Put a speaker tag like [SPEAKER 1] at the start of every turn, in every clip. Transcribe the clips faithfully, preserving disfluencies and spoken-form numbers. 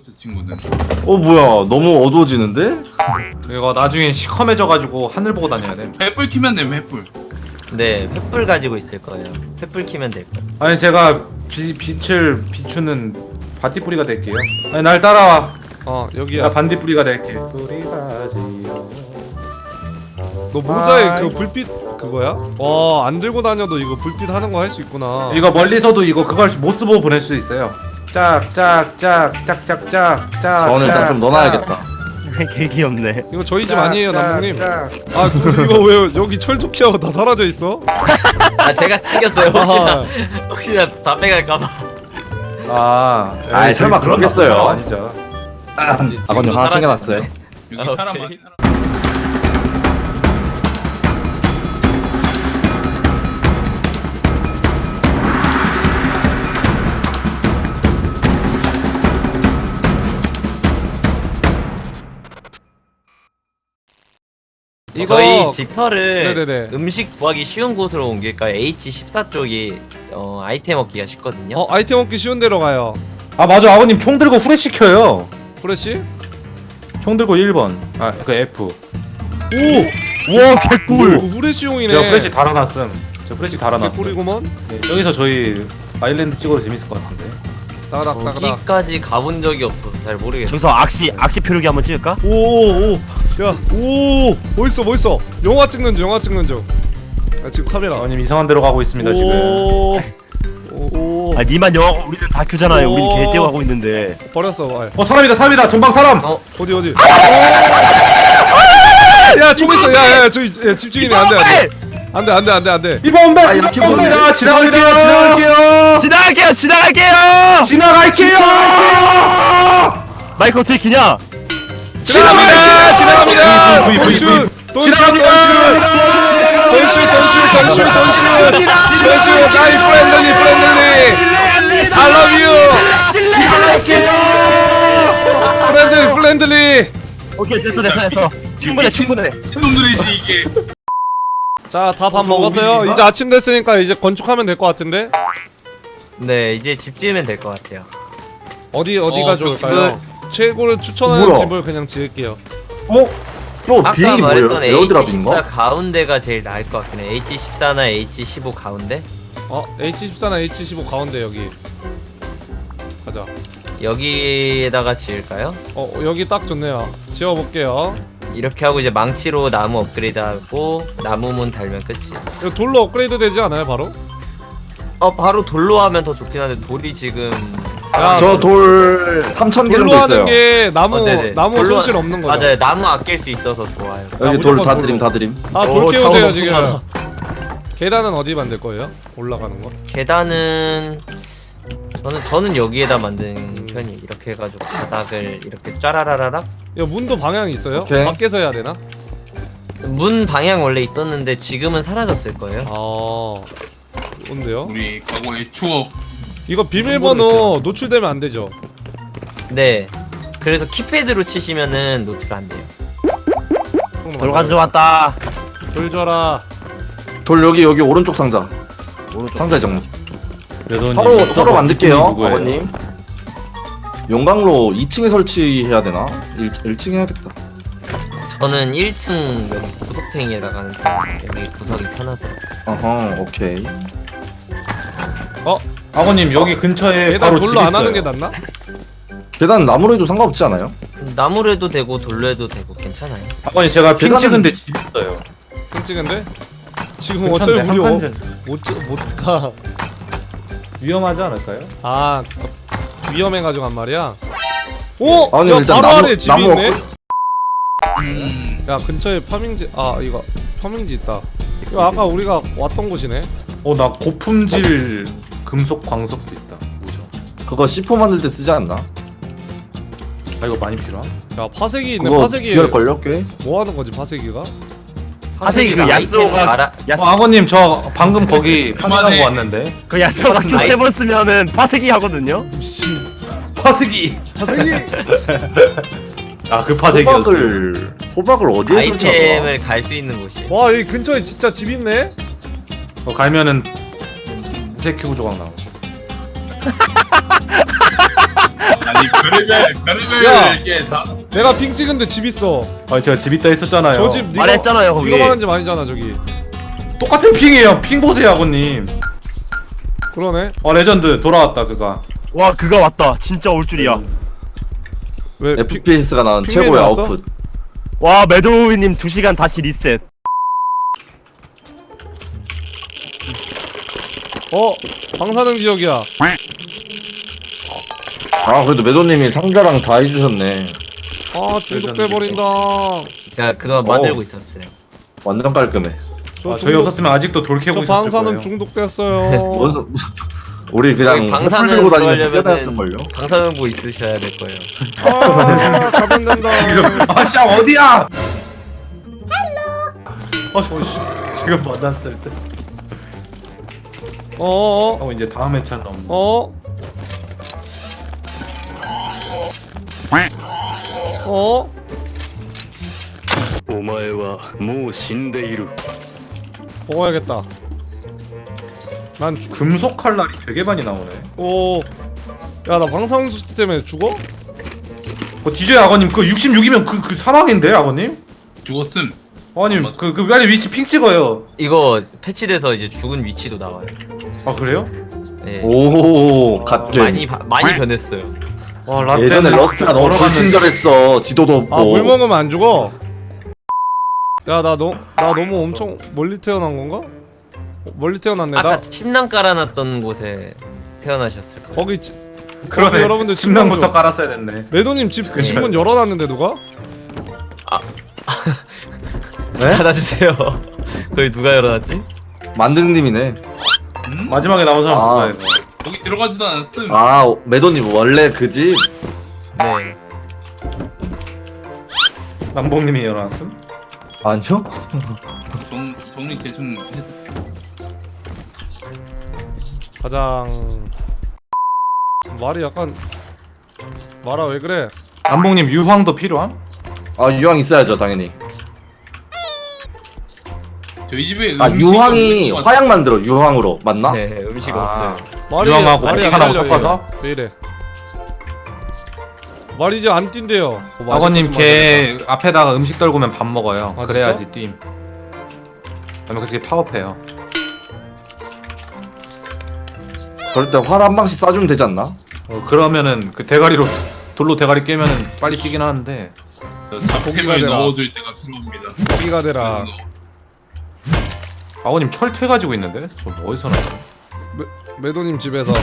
[SPEAKER 1] 저 친구는.
[SPEAKER 2] 어 뭐야 너무 어두워지는데?
[SPEAKER 3] 이거 나중에 시커매져가지고 하늘 보고 다녀야 돼.
[SPEAKER 1] 횃불 키면 되면 횃불.
[SPEAKER 4] 네, 횃불 가지고 있을 거예요. 횃불 키면 될 거예요.
[SPEAKER 3] 아니 제가 비, 빛을 비추는 바티뿌리가 될게요. 아니 날 따라와.
[SPEAKER 5] 어 여기야.
[SPEAKER 3] 나 반딧불이가 될게. 뿌리가 지요.
[SPEAKER 5] 너 모자에
[SPEAKER 3] 아이고.
[SPEAKER 5] 그 불빛 그거야? 와, 안 들고 다녀도 이거 불빛 하는 거 할 수 있구나.
[SPEAKER 3] 이거 멀리서도 이거 그걸 모스 보고 보낼 수 있어요. 짝짝짝짝짝짝짝.
[SPEAKER 2] 저는 일단 좀 넣어놔야겠다.
[SPEAKER 6] 개 귀엽네.
[SPEAKER 5] 이거 저희 집 아니에요, 남동님.
[SPEAKER 3] 짝.
[SPEAKER 5] 아, 그, 이거 왜 여기 철도키하고 다 사라져 있어?
[SPEAKER 4] 아, 제가 챙겼어요. 혹시나
[SPEAKER 5] 아,
[SPEAKER 4] 혹시나 다 빼갈까봐.
[SPEAKER 3] 아,
[SPEAKER 2] 아이,
[SPEAKER 3] 에이,
[SPEAKER 2] 설마
[SPEAKER 3] 그런
[SPEAKER 2] 그러겠어요?
[SPEAKER 3] 나쁜 거 아니죠.
[SPEAKER 2] 아버님 하나 챙겨놨어요.
[SPEAKER 1] 여기
[SPEAKER 4] 아,
[SPEAKER 1] 사람
[SPEAKER 4] 오케이.
[SPEAKER 1] 많이 살아.
[SPEAKER 5] 이거
[SPEAKER 4] 저희 지퍼를
[SPEAKER 5] 네네네.
[SPEAKER 4] 음식 구하기 쉬운 곳으로 옮길까요? 에이치 십사 쪽이 어, 아이템 얻기가 쉽거든요.
[SPEAKER 5] 어 아이템 얻기 쉬운 데로 가요.
[SPEAKER 3] 아 맞아, 아버님 총 들고 후레 시켜요.
[SPEAKER 5] 프레시?
[SPEAKER 3] 총 들고 일 번. 아 그 F.
[SPEAKER 5] 오!
[SPEAKER 6] 와 개꿀.
[SPEAKER 5] 오, 후레쉬용이네.
[SPEAKER 3] 제가 후레시 달아놨음. 저 후레시 달아놨음.
[SPEAKER 5] 개꿀이구먼.
[SPEAKER 3] 네, 여기서 저희 아일랜드 찍어도 재밌을 것 같은데.
[SPEAKER 5] 따가닥 따가닥.
[SPEAKER 4] 여기까지 가본 적이 없어서 잘 모르겠어요.
[SPEAKER 6] 저기서 악시 악시 표류기 한번 찍을까?
[SPEAKER 5] 오오오. 야, 오! 멋있어 멋있어. 영화 찍는 중, 영화 찍는 중. 야, 지금 카메라.
[SPEAKER 3] 아버님 이상한 데로 가고 있습니다 지금.
[SPEAKER 5] 오. 오.
[SPEAKER 6] 아 니만 영화고 우리는 다큐잖아요. 우린
[SPEAKER 5] 오.
[SPEAKER 6] 개떼고 하고 있는데.
[SPEAKER 5] 버렸어. 아,
[SPEAKER 3] 어 사람이다 사람이다 전방 사람.
[SPEAKER 4] 어,
[SPEAKER 5] 어디 어디? 야, 총 있어. 야, 야, 저기 야, 집중이네. 안 돼, 안 돼. 안 돼, 안 돼, 안 돼, 안 돼.
[SPEAKER 3] 이번 온다.
[SPEAKER 2] 아, 이렇게
[SPEAKER 3] 이번 옵니다.
[SPEAKER 2] 보네.
[SPEAKER 3] 지나갈게요. 지나갈게요.
[SPEAKER 6] 지나갈게요. 지나갈게요.
[SPEAKER 3] 지나갈게요.
[SPEAKER 6] 마이크 어떻게 키냐?
[SPEAKER 5] 지나갑니다. 지나갑니다.
[SPEAKER 3] V, V, V, V.
[SPEAKER 5] 돈슛, 돈슛,
[SPEAKER 3] 지나갑니다.
[SPEAKER 5] 돈슛, 돈슛, 돈슛, 돈슛, 돈슛, 돈슛. 나이 프렌들리, 프렌들리. I love you. 프렌들리, 프렌들리.
[SPEAKER 6] 오케이 됐어 됐어 됐어. 충분해 충분해.
[SPEAKER 1] 친놈들이지 이게.
[SPEAKER 5] 자, 다 밥 먹었어요. 이제 아침 됐으니까 이제 건축하면 될 것 같은데.
[SPEAKER 4] 네, 이제 집 지으면 될 것 같아요.
[SPEAKER 5] 어디 어디가
[SPEAKER 1] 어,
[SPEAKER 5] 좋을까요? 최고를 추천하는
[SPEAKER 2] 뭐야?
[SPEAKER 5] 집을 그냥 지을게요.
[SPEAKER 2] 어? 저
[SPEAKER 4] 아까
[SPEAKER 2] 비행기 뭐예요?
[SPEAKER 4] 말했던
[SPEAKER 2] 에어드랍인가?
[SPEAKER 4] 에이치 십사 가운데가 제일 나을 것 같긴 해. 에이치 십사나 에이치 십오 가운데?
[SPEAKER 5] 어, 에이치 십사나 에이치 십오 가운데 여기. 가자.
[SPEAKER 4] 여기에다가 지을까요?
[SPEAKER 5] 어, 여기 딱 좋네요. 지어볼게요.
[SPEAKER 4] 이렇게 하고 이제 망치로 나무 업그레이드하고 나무 문 달면 끝이에요.
[SPEAKER 5] 이거 돌로 업그레이드 되지 않아요, 바로?
[SPEAKER 4] 어, 바로 돌로 하면 더 좋긴 한데 돌이 지금
[SPEAKER 5] 야,
[SPEAKER 2] 저 돌 삼천 개 정도
[SPEAKER 5] 돌로
[SPEAKER 2] 있어요.
[SPEAKER 5] 하는 게 나무
[SPEAKER 4] 어, 네네.
[SPEAKER 5] 나무
[SPEAKER 4] 돌로
[SPEAKER 5] 손실
[SPEAKER 4] 하-
[SPEAKER 5] 없는 거죠.
[SPEAKER 4] 맞아요. 나무 아낄 수 있어서 좋아요.
[SPEAKER 2] 여기
[SPEAKER 5] 야,
[SPEAKER 2] 돌
[SPEAKER 5] 무조건
[SPEAKER 2] 다
[SPEAKER 5] 돌로.
[SPEAKER 2] 드림 다 드림.
[SPEAKER 5] 아,
[SPEAKER 4] 오,
[SPEAKER 5] 돌
[SPEAKER 4] 자원
[SPEAKER 5] 깨우세요
[SPEAKER 4] 엄청
[SPEAKER 5] 지금.
[SPEAKER 4] 많아.
[SPEAKER 5] 계단은 어디 만들 거예요? 올라가는 거?
[SPEAKER 4] 계단은 저는 저는 여기에다 만든 편이 이렇게 해가지고 바닥을 이렇게 짜라라라락
[SPEAKER 5] 야, 문도 방향이 있어요?
[SPEAKER 2] 오케이.
[SPEAKER 5] 밖에서 해야 되나?
[SPEAKER 4] 문 방향 원래 있었는데 지금은 사라졌을 거예요.
[SPEAKER 5] 아, 뭔데요?
[SPEAKER 1] 우리 과거의 추억.
[SPEAKER 5] 이거 비밀번호 노출되면 안 되죠?
[SPEAKER 4] 네. 그래서 키패드로 치시면은 노출 안 돼요.
[SPEAKER 6] 돌 가져왔다.
[SPEAKER 5] 돌 줘라.
[SPEAKER 2] 돌 여기 여기 오른쪽 상자. 오른쪽 상자에 정리.
[SPEAKER 3] 매도님,
[SPEAKER 2] 서로
[SPEAKER 3] 이거
[SPEAKER 2] 서로 만들게요.
[SPEAKER 3] 누구예요?
[SPEAKER 2] 아버님. 용광로 이 층에 설치해야 되나? 일 층 해야겠다.
[SPEAKER 4] 저는 일 층 여기 구석탱이에다가 하는 편. 여기 구석이 편하더라고요.
[SPEAKER 2] 어허 오케이.
[SPEAKER 5] 어?
[SPEAKER 3] 아버님 여기 근처에
[SPEAKER 5] 계단
[SPEAKER 3] 바로
[SPEAKER 5] 돌로
[SPEAKER 3] 집
[SPEAKER 5] 안
[SPEAKER 3] 있어요.
[SPEAKER 5] 하는 게 낫나?
[SPEAKER 2] 계단 나무로 해도 상관없지 않아요?
[SPEAKER 4] 나무로 해도 되고 돌로 해도 되고 괜찮아요.
[SPEAKER 3] 아버님 제가 핑
[SPEAKER 2] 계단은-
[SPEAKER 3] 찍은데 집 있어요.
[SPEAKER 5] 핑 찍은데? 지금 어차피
[SPEAKER 3] 근처인데
[SPEAKER 5] 우리
[SPEAKER 3] 한
[SPEAKER 5] 어,
[SPEAKER 3] 칸
[SPEAKER 5] 못, 못 가.
[SPEAKER 3] 위험하지 않을까요?
[SPEAKER 5] 아, 위험해가지고 한 말이야? 오!
[SPEAKER 2] 아니,
[SPEAKER 5] 야,
[SPEAKER 2] 일단
[SPEAKER 5] 바로
[SPEAKER 2] 나무-
[SPEAKER 5] 아래 집이
[SPEAKER 2] 나무
[SPEAKER 5] 있네?
[SPEAKER 1] 음.
[SPEAKER 5] 야, 근처에 파밍지, 아, 이거 파밍지 있다. 이거 아까 우리가 왔던 곳이네?
[SPEAKER 3] 어 나 고품질 금속 광석도 있다. 뭐죠?
[SPEAKER 2] 그거 씨포 만들 때 쓰지 않나?
[SPEAKER 3] 아 이거 많이 필요함?
[SPEAKER 5] 야, 파색이 있네.
[SPEAKER 2] 그거
[SPEAKER 5] 파색이
[SPEAKER 2] 귀할걸요 꽤?
[SPEAKER 5] 뭐 하는 거지, 파색이가?
[SPEAKER 6] 파색이 그
[SPEAKER 4] 아이템
[SPEAKER 6] 야스오가-
[SPEAKER 4] 말아,
[SPEAKER 3] 어,
[SPEAKER 6] 야스
[SPEAKER 3] 아버님 저 방금 거기
[SPEAKER 1] 그만해.
[SPEAKER 3] 파밍하고 왔는데.
[SPEAKER 6] 그 야스오가
[SPEAKER 4] 아이-
[SPEAKER 6] 세 번 쓰면은 파색이 하거든요.
[SPEAKER 5] 씨,
[SPEAKER 3] 파색이.
[SPEAKER 5] 파색이!
[SPEAKER 3] 아 그 파색이었어.
[SPEAKER 2] 호박을 호박을 어디에 설치하더라?
[SPEAKER 4] 아이템을 갈 수 있는 곳이에요.
[SPEAKER 5] 와, 여기 근처에 진짜 집 있네?
[SPEAKER 3] 어, 가면은 무쇠 키고 조각 나와.
[SPEAKER 1] 아니 별의별 별의별
[SPEAKER 5] 야.
[SPEAKER 1] 이게 다.
[SPEAKER 5] 내가 핑 찍은데 집 있어.
[SPEAKER 3] 아 제가 집 있다 했었잖아요.
[SPEAKER 5] 저 집 네가
[SPEAKER 6] 말했잖아요, 거기.
[SPEAKER 5] 네가 말한 집 아니잖아 저기.
[SPEAKER 3] 똑같은 핑이에요. 핑 보세요 아버님.
[SPEAKER 5] 그러네.
[SPEAKER 3] 어 레전드 돌아왔다 그가.
[SPEAKER 6] 와 그가 왔다. 진짜 올 줄이야.
[SPEAKER 5] 왜 핑-
[SPEAKER 2] 에프피에스가 나온
[SPEAKER 5] 핑맨이
[SPEAKER 2] 최고의
[SPEAKER 5] 왔어?
[SPEAKER 2] 아웃풋.
[SPEAKER 6] 와 매도우님 두 시간 다시 리셋.
[SPEAKER 5] 어 방사능 지역이야.
[SPEAKER 2] 아 그래도 매도님이 상자랑 다 해주셨네.
[SPEAKER 5] 아 중독돼 버린다.
[SPEAKER 4] 제가 그동안
[SPEAKER 2] 어.
[SPEAKER 4] 만들고 있었어요.
[SPEAKER 2] 완전 깔끔해.
[SPEAKER 5] 저
[SPEAKER 3] 아, 저희
[SPEAKER 5] 중독-
[SPEAKER 3] 없었으면 아직도 돌 캐고
[SPEAKER 5] 저
[SPEAKER 3] 있었을
[SPEAKER 5] 방사능
[SPEAKER 3] 거예요.
[SPEAKER 5] 중독됐어요.
[SPEAKER 2] 뭔 소- 우리 그냥
[SPEAKER 4] 여기
[SPEAKER 2] 방사능
[SPEAKER 4] 방사능
[SPEAKER 2] 들고 다니면서 뛰어다녔을
[SPEAKER 4] 들어가려면
[SPEAKER 2] 걸요.
[SPEAKER 4] 방사능부 있으셔야 될 거예요.
[SPEAKER 5] 아 가변된다.
[SPEAKER 3] 아씨 어디야? 어, 저, 지금 만났을 때.
[SPEAKER 5] 어어
[SPEAKER 3] 하고 이제 다음 회차는 없는.
[SPEAKER 5] 어. 어?
[SPEAKER 7] お前はもう死んでいる。
[SPEAKER 5] 먹어야겠다. 난 죽.
[SPEAKER 3] 금속 칼날이 되게 많이 나오네.
[SPEAKER 5] 오. 야 나 방사능 수치 때문에 죽어?
[SPEAKER 3] 어, 디제이 아버님 그 육십육이면 그, 그 사망인데 아버님?
[SPEAKER 1] 죽었음.
[SPEAKER 3] 아버님 그, 그 빨리 위치 핑 찍어요.
[SPEAKER 4] 이거 패치돼서 이제 죽은 위치도 나와요.
[SPEAKER 3] 아 그래요?
[SPEAKER 4] 네.
[SPEAKER 2] 오 갓게.
[SPEAKER 4] 많이 바, 많이 변했어요.
[SPEAKER 3] 와 라떼는
[SPEAKER 2] 예전에 러스트가 너무 불친절했어. 지도도 없고.
[SPEAKER 5] 아 물 먹으면 안 죽어? 야 나 너 나 너무 엄청 멀리 태어난 건가? 어, 멀리 태어났네.
[SPEAKER 4] 아까
[SPEAKER 5] 나
[SPEAKER 4] 침낭 깔아놨던 곳에 태어나셨을 거예요.
[SPEAKER 5] 거기 지-
[SPEAKER 3] 그러네.
[SPEAKER 5] 어, 여러분들
[SPEAKER 3] 침낭부터
[SPEAKER 5] 침낭 좀-
[SPEAKER 3] 깔았어야 됐네.
[SPEAKER 5] 매도님 집
[SPEAKER 3] 그쵸.
[SPEAKER 5] 집문 열어놨는데 누가?
[SPEAKER 2] 네?
[SPEAKER 4] 닫아주세요. 거기 누가 열어놨지?
[SPEAKER 2] 만등님이네.
[SPEAKER 1] 음?
[SPEAKER 3] 마지막에 나온 사람
[SPEAKER 2] 아.
[SPEAKER 3] 누가요?
[SPEAKER 1] 여기 들어가지도 않았음.
[SPEAKER 2] 아 매도님 원래 그 집.
[SPEAKER 4] 네.
[SPEAKER 3] 남봉님이 일어났음?
[SPEAKER 2] 아니요?
[SPEAKER 1] 정 정리 대충 해도.
[SPEAKER 5] 가장 말이 약간 말아 왜 그래?
[SPEAKER 3] 남봉님 유황도 필요함?
[SPEAKER 2] 아 유황 있어야죠 당연히.
[SPEAKER 1] 저희 집에
[SPEAKER 2] 아
[SPEAKER 1] 음식이
[SPEAKER 2] 유황이
[SPEAKER 1] 없는 것 같아요.
[SPEAKER 2] 화약 만들어 유황으로 맞나?
[SPEAKER 4] 네, 음식
[SPEAKER 3] 아.
[SPEAKER 4] 없어요.
[SPEAKER 5] 말이
[SPEAKER 3] 유황하고
[SPEAKER 5] 말이 안
[SPEAKER 3] 하나고
[SPEAKER 5] 달려,
[SPEAKER 3] 섞어서?
[SPEAKER 5] 얘. 왜 이래? 말이 이제 안 뛴대요. 뭐
[SPEAKER 3] 아버님
[SPEAKER 5] 맛있는
[SPEAKER 3] 걔 앞에다가 음식 떨구면 밥 먹어요.
[SPEAKER 5] 아,
[SPEAKER 3] 그래야지 뛴. 그러면 그게 파업해요.
[SPEAKER 2] 그럴 때 활 한 방씩 쏴주면 되지 않나?
[SPEAKER 3] 어, 그러면은 그 대가리로 돌로 대가리 깨면은 빨리 뛰긴 하는데.
[SPEAKER 1] 저
[SPEAKER 5] 고기가
[SPEAKER 1] 잡템을
[SPEAKER 5] 되나?
[SPEAKER 1] 넣어둘 때가 필요합니다.
[SPEAKER 5] 고기가 되라.
[SPEAKER 3] 아버님 철퇴 가지고 있는데? 저 뭐 어디서 나요?
[SPEAKER 5] 매도님 집에서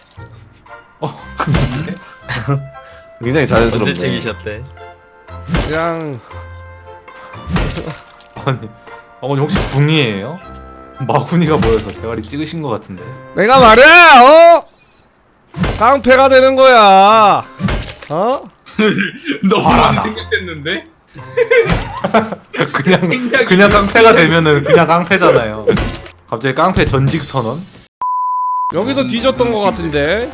[SPEAKER 2] 굉장히
[SPEAKER 4] 언제
[SPEAKER 2] 자연스럽네.
[SPEAKER 4] 챙기셨대?
[SPEAKER 5] 그냥
[SPEAKER 3] 아버님, 아버님 혹시 궁이에요? 마구니가 모여서 대가리 찍으신 것 같은데.
[SPEAKER 5] 내가 말이야 어? 깡패가 되는 거야. 어?
[SPEAKER 1] 너무 많이 생각했는데.
[SPEAKER 3] 그냥
[SPEAKER 1] 생각이
[SPEAKER 3] 그냥 깡패가 되면은 그냥 깡패잖아요. 갑자기 깡패 전직 선언?
[SPEAKER 5] 여기서 뒤졌던 거 같은데.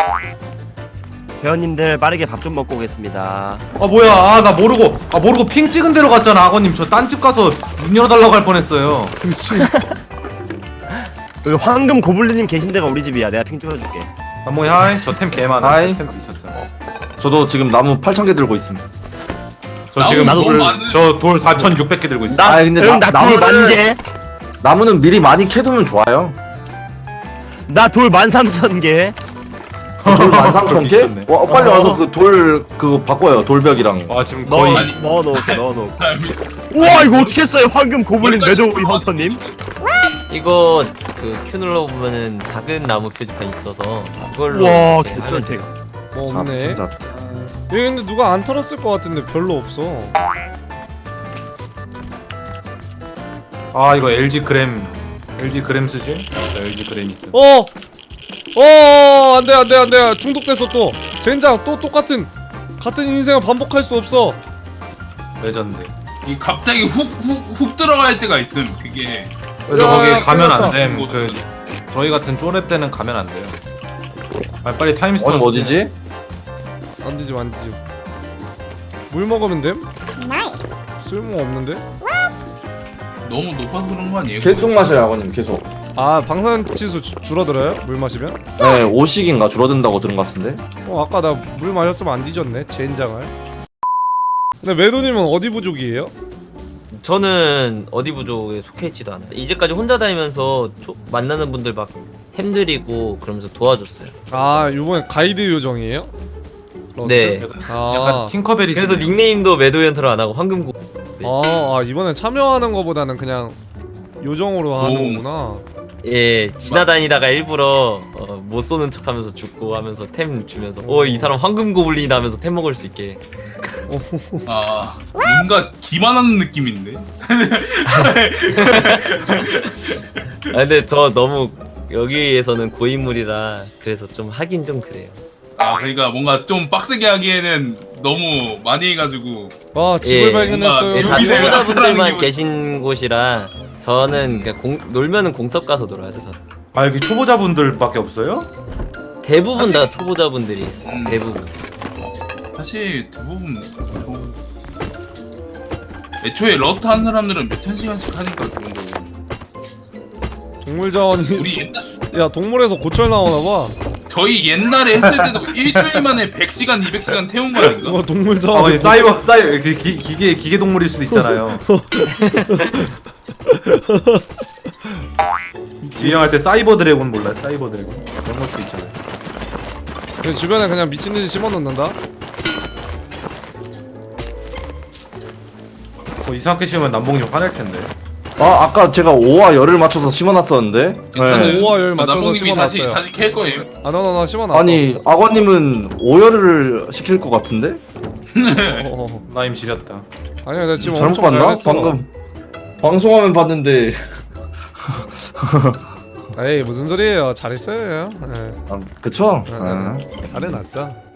[SPEAKER 6] 회원님들 빠르게 밥 좀 먹고 오겠습니다.
[SPEAKER 3] 아 뭐야? 아 나 모르고 아 모르고 핑 찍은 데로 갔잖아. 아버님 저 딴 집 가서 문 열어달라고 할 뻔했어요.
[SPEAKER 5] 그렇지.
[SPEAKER 6] 여기 황금 고블린님 계신 데가 우리 집이야. 내가 핑 찍어줄게.
[SPEAKER 3] 남몽이 하이. 저 템 개많아.
[SPEAKER 2] 하이.
[SPEAKER 3] 템 미쳤어요.
[SPEAKER 2] 저도 지금 나무 팔천 개 들고 있음.
[SPEAKER 3] 저
[SPEAKER 1] 나무
[SPEAKER 3] 지금
[SPEAKER 1] 너무
[SPEAKER 3] 돌,
[SPEAKER 1] 많은-
[SPEAKER 3] 저돌 사천육백 개 들고 있어.
[SPEAKER 2] 아, 근데
[SPEAKER 6] 응,
[SPEAKER 2] 나-
[SPEAKER 6] 나돌
[SPEAKER 2] 나무를-
[SPEAKER 6] 만 개.
[SPEAKER 2] 나무는 미리 많이 캐두면 좋아요.
[SPEAKER 6] 나 돌 만 삼천 개.
[SPEAKER 2] 돌 만 삼천 개?
[SPEAKER 3] 미쳤네.
[SPEAKER 2] 와 빨리 와서 그 돌 그거 바꿔요 돌벽이랑.
[SPEAKER 3] 아 지금
[SPEAKER 6] 넣어
[SPEAKER 3] 거의
[SPEAKER 6] 넣어 놓을게 넣어 놓을게.
[SPEAKER 1] 사람이
[SPEAKER 6] 우와 이거 어떻게 했어요? 황금 고블린 매도우리 헌터님.
[SPEAKER 4] 이거 그 큐 눌러보면은 작은 나무 표지판 있어서 그걸로
[SPEAKER 6] 우와
[SPEAKER 4] 이렇게 하면
[SPEAKER 6] 개쩔대.
[SPEAKER 4] 돼요.
[SPEAKER 5] 뭐
[SPEAKER 2] 자,
[SPEAKER 5] 없네.
[SPEAKER 2] 자,
[SPEAKER 5] 여기 근데 누가 안 털었을 것 같은데 별로 없어.
[SPEAKER 3] 아 이거 엘지 그램 엘지 그램 쓰지? 저 엘지 그램 있어.
[SPEAKER 5] 어! 어! 안돼 안돼 안돼 중독됐어 또. 젠장 또 똑같은 같은 인생을 반복할 수 없어.
[SPEAKER 3] 레전드.
[SPEAKER 1] 이 갑자기 훅훅훅 들어갈 때가 있음. 그게
[SPEAKER 3] 그래서
[SPEAKER 5] 야,
[SPEAKER 3] 거기
[SPEAKER 5] 야,
[SPEAKER 3] 가면
[SPEAKER 5] 큰일
[SPEAKER 3] 안 됨. 그 저희 같은 쪼렙 때는 가면 안 돼요. 아 빨리 타임스톤.
[SPEAKER 2] 어디 어디지?
[SPEAKER 5] 안 되지 안 되지. 물 먹으면 됨? 쓸모 없는데?
[SPEAKER 1] 너무 높아서 그런 거 아니에요?
[SPEAKER 2] 계속 마셔요 아버님 계속.
[SPEAKER 5] 아 방사능 치수 주, 줄어들어요? 물 마시면?
[SPEAKER 2] 네, 오씩인가 줄어든다고 들은 것 같은데.
[SPEAKER 5] 어 아까 나 물 마셨으면 안 뒤졌네 젠장을. 근데 매도님은 어디 부족이에요?
[SPEAKER 4] 저는 어디 부족에 속해 있지도 않아요. 이제까지 혼자 다니면서 초, 만나는 분들 막 템드리고 그러면서 도와줬어요.
[SPEAKER 5] 아 요번에 가이드 요정이에요? 러스?
[SPEAKER 4] 네.
[SPEAKER 5] 아,
[SPEAKER 3] 약간 팅커벨이.
[SPEAKER 4] 그래서 닉네임도 매도연터로 안 하고 황금고.
[SPEAKER 5] 아, 아 이번엔 참여하는 거보다는 그냥 요정으로 하는 거구나.
[SPEAKER 4] 예, 지나다니다가 일부러 어, 못 쏘는 척하면서 죽고 하면서 템 주면서 어 이 사람 황금 고블린 하면서 템 먹을 수 있게.
[SPEAKER 1] 아 뭔가 기만하는 느낌인데.
[SPEAKER 4] 아 근데 저 너무 여기에서는 고인물이라 그래서 좀 하긴 좀 그래요.
[SPEAKER 1] 아 그러니까 뭔가 좀 빡세게 하기에는 너무 많이 해가지고.
[SPEAKER 5] 아 집을
[SPEAKER 4] 예,
[SPEAKER 5] 발견했어요.
[SPEAKER 4] 예, 다
[SPEAKER 1] 여기는
[SPEAKER 4] 초보자분들만
[SPEAKER 1] 나타나는
[SPEAKER 4] 계신 곳이라 저는 그냥 공, 놀면은 공섭 가서 놀아요. 저
[SPEAKER 3] 아 여기 초보자분들밖에 없어요?
[SPEAKER 4] 대부분 다 초보자분들이
[SPEAKER 1] 음.
[SPEAKER 4] 대부분.
[SPEAKER 1] 사실 대부분 뭐, 애초에 러스트 한 사람들은 몇천 시간씩 하니까 그런 거고.
[SPEAKER 5] 동물 자원이
[SPEAKER 1] 우리 옛날,
[SPEAKER 5] 야 동물에서 고철 나오나 봐.
[SPEAKER 1] 저희 옛날에 했을 때도 일주일 만에 백 시간, 이백 시간 태운 거 아닌가?
[SPEAKER 5] 이거 동물
[SPEAKER 3] 아
[SPEAKER 5] 자원.
[SPEAKER 3] 아니 사이버 사이버 기, 기, 기계 기계 동물일 수도 있잖아요. 유행할 때 사이버 드래곤 몰라요? 사이버 드래곤 그런 것도 있잖아요.
[SPEAKER 5] 그 주변에 그냥 미친 듯이 심어 놓는다.
[SPEAKER 3] 어, 이상하게 심으면 남봉이 좀 화낼 텐데.
[SPEAKER 2] 아 아까 제가 오와 열을 맞춰서 심어놨었는데.
[SPEAKER 1] 괜찮아요.
[SPEAKER 2] 네.
[SPEAKER 5] 오와 열 맞춰서
[SPEAKER 1] 남봉님이 다시
[SPEAKER 5] 심어놨어요.
[SPEAKER 1] 다시 캘 거예요.
[SPEAKER 5] 아 너 너 너 심어 놨어.
[SPEAKER 2] 아니 악어님은 오열을 시킬 것 같은데?
[SPEAKER 5] 어, 어.
[SPEAKER 3] 나임 지렸다.
[SPEAKER 5] 아니야 나 지금
[SPEAKER 2] 잘못
[SPEAKER 5] 엄청
[SPEAKER 2] 봤나?
[SPEAKER 5] 잘했어.
[SPEAKER 2] 방금 방송화면 봤는데.
[SPEAKER 5] 에이 무슨 소리예요? 잘했어요. 예.
[SPEAKER 2] 아, 그쵸?
[SPEAKER 5] 네,
[SPEAKER 2] 아.
[SPEAKER 5] 잘해놨어.